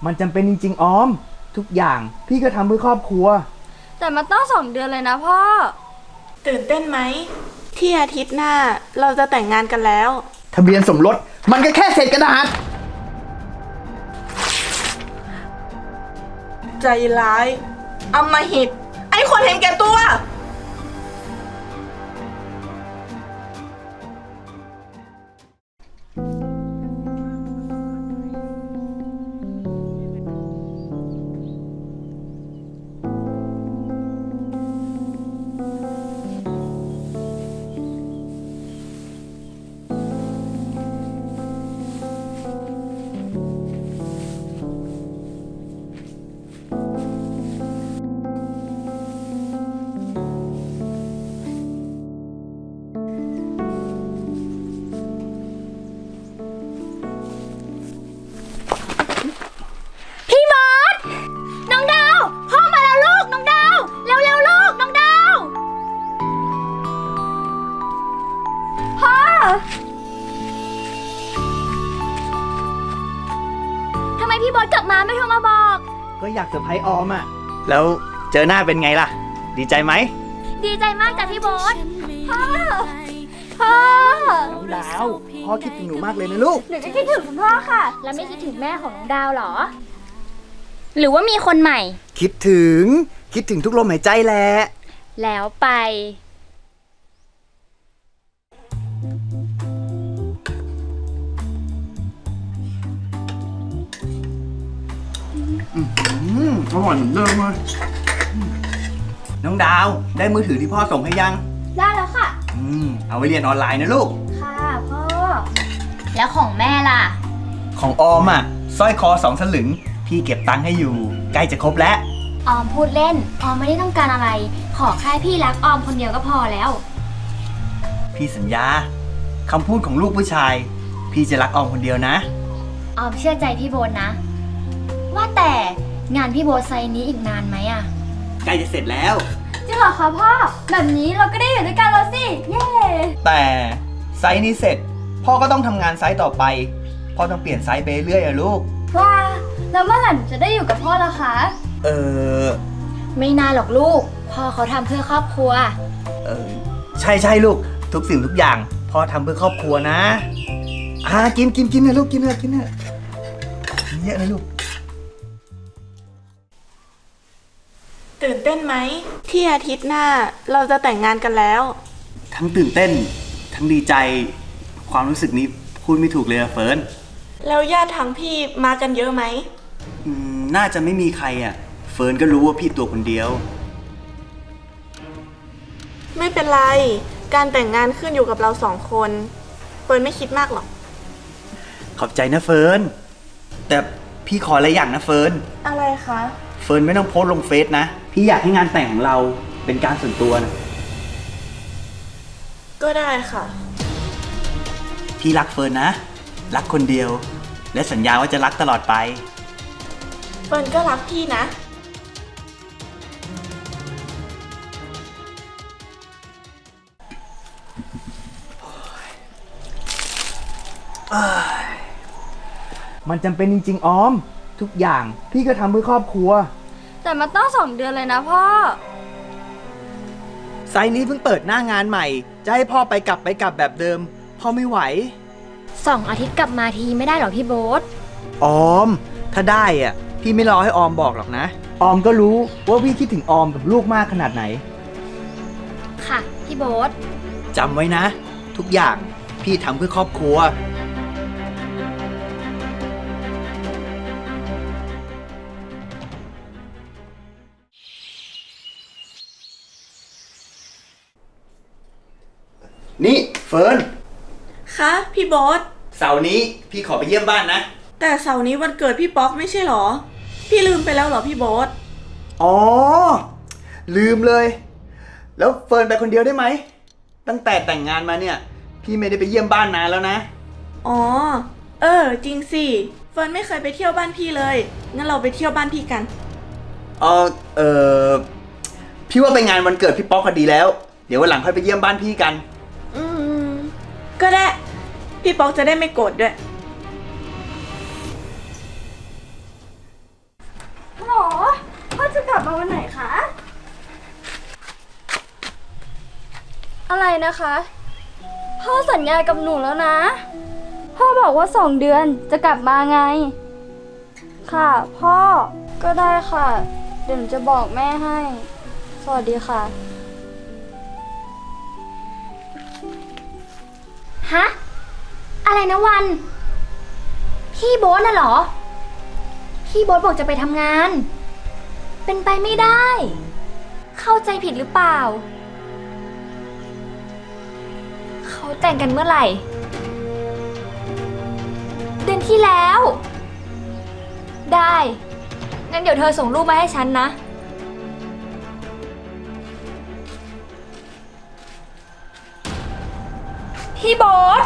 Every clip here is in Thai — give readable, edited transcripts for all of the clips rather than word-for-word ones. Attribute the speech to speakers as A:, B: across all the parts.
A: มันจำเป็นจริงๆออมทุกอย่างพี่ก็ทำเพื่อครอบครัว
B: แต่มันต้อง2 เดือนเลยนะพ่อ
C: ตื่นเต้นไหมที่อาทิตย์หน้าเราจะแต่งงานกันแล้ว
A: ทะเบียนสมรสมันก็แค่เศษกระดาษ
C: ใจร้ายอำมหิตไอ้คนเห็นแก่ตัว
B: พี่บอสน้องดาวพ่อมาแล้วลูกน้องดาวเร็วๆลูกน้องดาวพ่อทำไมพี่บอสกลับมาไม่โทรมาบอก
A: ก็อยากเซอร์ไพรส์ออมอ่ะแล้วเจอหน้าเป็นไงล่ะดีใจไหม
B: ดีใจมากจ้ะพี่บอสพ่อ
A: น้องดาวพ่อคิดถึงหนูมากเลยนะลูก
B: หนูจะคิดถึงคุณพ่อค่ะแล้วไม่คิดถึงแม่ของน้องดาวหรอหรือว่ามีคนใหม่
A: คิดถึงทุกลมหายใจแหละ
B: แล้วไป
A: อร่อยเหมือนเดิมเลยน้องดาวได้มือถือที่พ่อส่งให้ยัง
B: ได้แล้วค่ะ
A: เอาไว้เรียนออนไลน์นะลูก
B: ค่ะพ่อแล้วของแม่ล่ะ
A: ของออมอ่ะสร้อยคอ2 สลึงพี่เก็บตังค์ให้อยู่ใกล้จะครบแล้ว
B: ออมพูดเล่นออมไม่ได้ต้องการอะไรขอแค่พี่รักออมคนเดียวก็พอแล้ว
A: พี่สัญญาคำพูดของลูกผู้ชายพี่จะรักออมคนเดียวนะ
B: ออมเชื่อใจพี่โบนนะว่าแต่งานพี่โบไซนี้อีกนานไหมอะ
A: ใกล้จะเสร็จแล้ว
B: จริงเหรอคะพ่อแบบนี้เราก็ได้อยู่ด้วยกันแล้วสิเย้
A: แต่ไซส์นี้เสร็จพ่อก็ต้องทำงานไซส์ต่อไปพ่อต้องเปลี่ยนไซส์ไปเรื่อยอะลูก
B: ว้าแล้วเมื่อไหร่หนูจะได้อยู่กับพ่อล่ะคะไม่นานหรอกลูกพ่อเขาทำเพื่อครอบครัว
A: ใช่ลูกทุกสิ่งทุกอย่างพ่อทำเพื่อครอบครัวนะกินนะลูกกินเถอะเยอะนะลูก
C: ตื่นเต้นไหมที่อาทิตย์หน้าเราจะแต่งงานกันแล้ว
A: ทั้งตื่นเต้นทั้งดีใจความรู้สึกนี้พูดไม่ถูกเลยอะเฟิร์น
C: แล้วญาติทางพี่มากันเยอะไหม
A: น่าจะไม่มีใครอะเฟิร์นก็รู้ว่าพี่ตัวคนเดียว
C: ไม่เป็นไรการแต่งงานขึ้นอยู่กับเรา2 คนเฟิร์นไม่คิดมากหรอก
A: ขอบใจนะเฟิร์นแต่พี่ขออะไรอย่างนะเฟิร์น
C: อะไรคะ
A: เฟิร์นไม่ต้องโพสต์ลงเฟซนะพี่อยากให้งานแต่งของเราเป็นการส่วนตัวนะ
C: ก็ได้ค่ะ
A: พี่รักเฟิร์นนะรักคนเดียวและสัญญาว่าจะรักตลอดไป
C: เฟิร์นก็รักพี่นะ
A: มันจำเป็นจริงๆออมทุกอย่างพี่ก็ทำเพื่อครอบครัว
B: แต่มันต้อง2 เดือนเลยนะพ่อ
A: ไซต์นี้เพิ่งเปิดหน้างานใหม่จะให้พ่อไปกลับแบบเดิมพ่อไม่ไหว
B: 2 อาทิตย์กลับมาทีไม่ได้หรอพี่โบ๊ท
A: ออมถ้าได้อ่ะพี่ไม่รอให้ออมบอกหรอกนะออมก็รู้ว่าพี่คิดถึงออมกับลูกมากขนาดไหน
B: ค่ะพี่โบ๊ท
A: จำไว้นะทุกอย่างพี่ทำเพื่อครอบครัวนี่เฟิร์น
C: คะพี่บอส
A: เสาร์นี้พี่ขอไปเยี่ยมบ้านนะ
C: แต่เสาร์นี้วันเกิดพี่ป๊อกไม่ใช่หรอพี่ลืมไปแล้วหรอพี่บอส
A: อ๋อลืมเลยแล้วเฟิร์นไปคนเดียวได้ไหมตั้งแต่แต่งงานมาเนี่ยพี่ไม่ได้ไปเยี่ยมบ้านนานแล้วนะ
C: อ๋อจริงสิเฟิร์นไม่เคยไปเที่ยวบ้านพี่เลยงั้นเราไปเที่ยวบ้านพี่กัน
A: พี่ว่าไปงานวันเกิดพี่ป๊อกก็ดีแล้วเดี๋ยววันหลังค่อยไปเยี่ยมบ้านพี่กัน
C: ก็ได้พี่ป๊อกจะได้ไม่โกรธด้วยมาวันไหนคะ
B: อะไรนะคะ พ่อสัญญากับหนูแล้วนะ พ่อบอกว่า2 เดือนจะกลับมาไง ค่ะ พ่อก็ได้ค่ะ เดี๋ยวหนูจะบอกแม่ให้ สวัสดีค่ะ
D: ฮะ อะไรนะวัน พี่โบ๊ทน่ะเหรอ พี่โบ๊ทบอกจะไปทำงาน เป็นไปไม่ได้ เข้าใจผิดหรือเปล่า เขาแต่งกันเมื่อไหร่ เดือนที่แล้ว ได้ งั้นเดี๋ยวเธอส่งรูปมาให้ฉันนะ
B: พี่โบ๊ท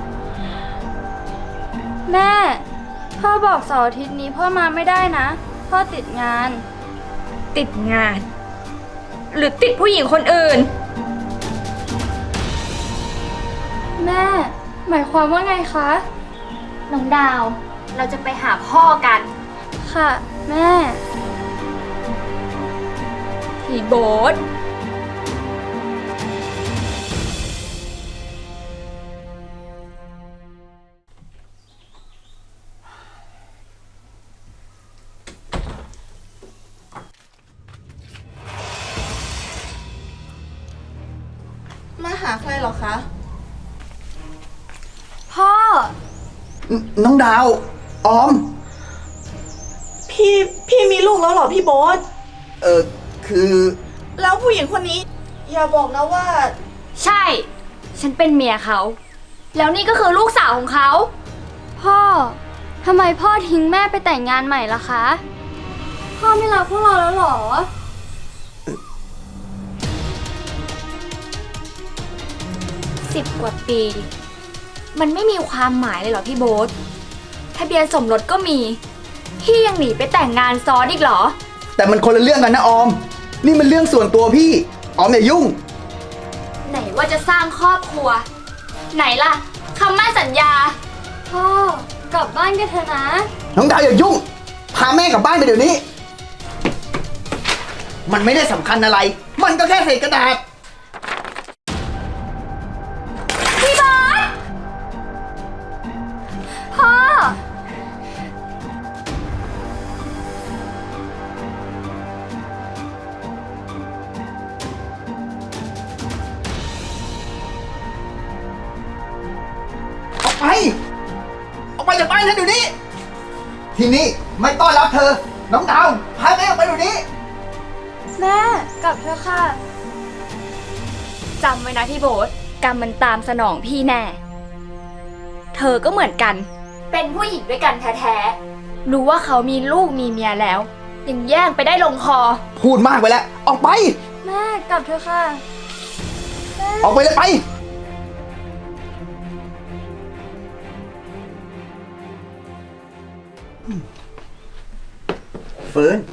B: แม่ พ่อบอกเสาร์อาทิตย์นี้พ่อมาไม่ได้นะ พ่อติดงาน
D: ติดงาน หรือติดผู้หญิงคนอื่น
B: แม่ หมายความว่าไงคะ
D: น้องดาว เราจะไปหาพ่อกัน
B: ค่ะ แม่
D: พี่โบ๊ท
C: มาหาใครเหรอคะ
B: พ่อ
A: น้องดาว ออม
C: พี่มีลูกแล้วเหรอพี่โบ๊ท
A: คือ
C: แล้วผู้หญิงคนนี้ อย่าบอกนะว่า
D: ใช่ ฉันเป็นเมียเขา แล้วนี่ก็คือลูกสาวของเขา
B: พ่อ ทำไมพ่อทิ้งแม่ไปแต่งงานใหม่ล่ะคะ พ่อไม่รักพวกเราแล้วเหรอ
D: 10 กว่าปี มันไม่มีความหมายเลยเหรอพี่โบ๊ท ทะเบียนสมรสก็มี พี่ยังหนีไปแต่งงานซ้อนอีกเหรอ
A: แต่มันคนละเรื่องกันนะออม นี่มันเรื่องส่วนตัวพี่ ออมอย่ายุ่ง
D: ไหนว่าจะสร้างครอบครัว ไหนล่ะคำมั่นสัญญา
B: พ่อ กลับบ้านกันเถอะนะ
A: น้องดาวอย่ายุ่ง พาแม่กลับบ้านไปเดี๋ยวนี้ มันไม่ได้สำคัญอะไร มันก็แค่เศษกระดาษ
D: พี่บอส
B: พ่อ
A: ออกไป ออกไปจากบ้านฉันเดี๋ยวนี้ ที่นี่ไม่ต้อนรับเธอ น้องดาว พาแม่ออกไปเดี๋ยวนี้
B: แม่ กลับเถอะค่ะ
D: จำไว้นะพี่โบ๊ท กรรมมันตามสนองพี่แน่ เธอก็เหมือนกัน เป็นผู้หญิงด้วยกันแท้ๆ รู้ว่าเขามีลูกมีเมียแล้ว ยังแย่งไปได้ลงคอ
A: พูดมากไปแล้ว ออกไป
B: แม่ กลับเถอะค่ะ
A: ออกไปเลยไป เฟิร์น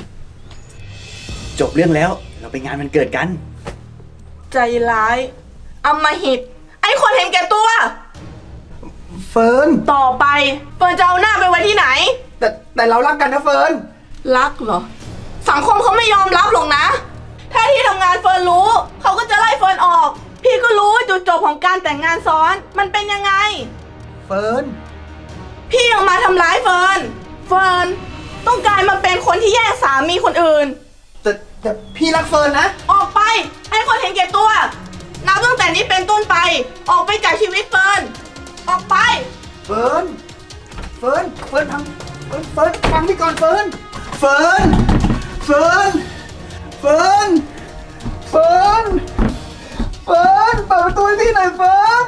A: จบเรื่องแล้ว เราไปงานวันเกิดกัน
C: ใจร้ายอำมหิต ไอ้คนเห็นแก่ตัว
A: เฟิร์น
C: ต่อไปเฟิร์นจะเอาหน้าไปไว้ที่ไหน
A: แต่เรารักกันนะเฟิร์น
C: รักเหรอ สังคมเขาไม่ยอมรับหรอกนะ ถ้าที่ทำงานเฟิร์นรู้ เขาก็จะไล่เฟิร์นออก พี่ก็รู้จุดจบของการแต่งงานซ้อน มันเป็นยังไง
A: เฟิร์น
C: พี่ยังมาทำร้ายเฟิร์น เฟิร์นต้องกลายมาเป็นคนที่แย่งสามีคนอื่น
A: แต่พี่รักเฟิร์นนะ
C: ออกไปให้คนเห็นแก่ตัว นับตั้งแต่นี้เป็นต้นไป ออกไปจากชีวิตเฟิร์น ออกไป
A: เฟิร์น เฟิร์น เฟิร์นฟังพี่ก่อนเฟิร์น เฟิร์น เฟิร์น เฟิร์น เฟิร์น เฟิร์น เปิดประตูให้พี่หน่อยเฟิร์น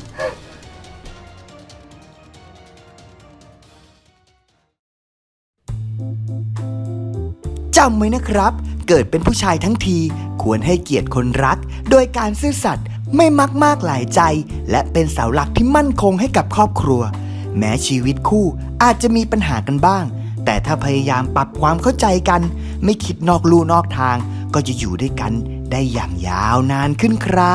A: จำไว้นะครับ เกิดเป็นผู้ชายทั้งที ควรให้เกียรติคนรัก โดยการซื่อสัตย์ไม่มักมากหลายใจ และเป็นเสาหลักที่มั่นคงให้กับครอบครัว แม้ชีวิตคู่อาจจะมีปัญหากันบ้าง แต่ถ้าพยายามปรับความเข้าใจกัน ไม่คิดนอกลู่นอกทาง ก็จะอยู่ด้วยกันได้อย่างยาวนานขึ้นครับ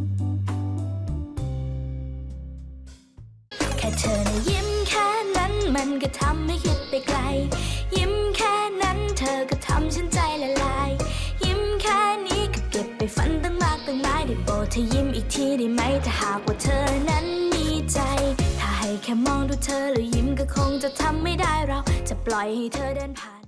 E: แค่เธอนะยิ้มแค่นั้นมันก็ทำให้คิดไปไกล ยิ้มแค่นั้นเธอก็ทำฉันใจละลาย ยิ้มแค่นี้ก็เก็บไปฝันตั้งมากตั้งหลายได้โปรดเธอยิ้มอีกทีได้ไหมถ้าหากว่าเธอนั้นมีใจ ถ้าให้แค่มองดูเธอแล้วยิ้มก็คงจะทำไม่ได้เราจะปล่อยให้เธอเดินผ่าน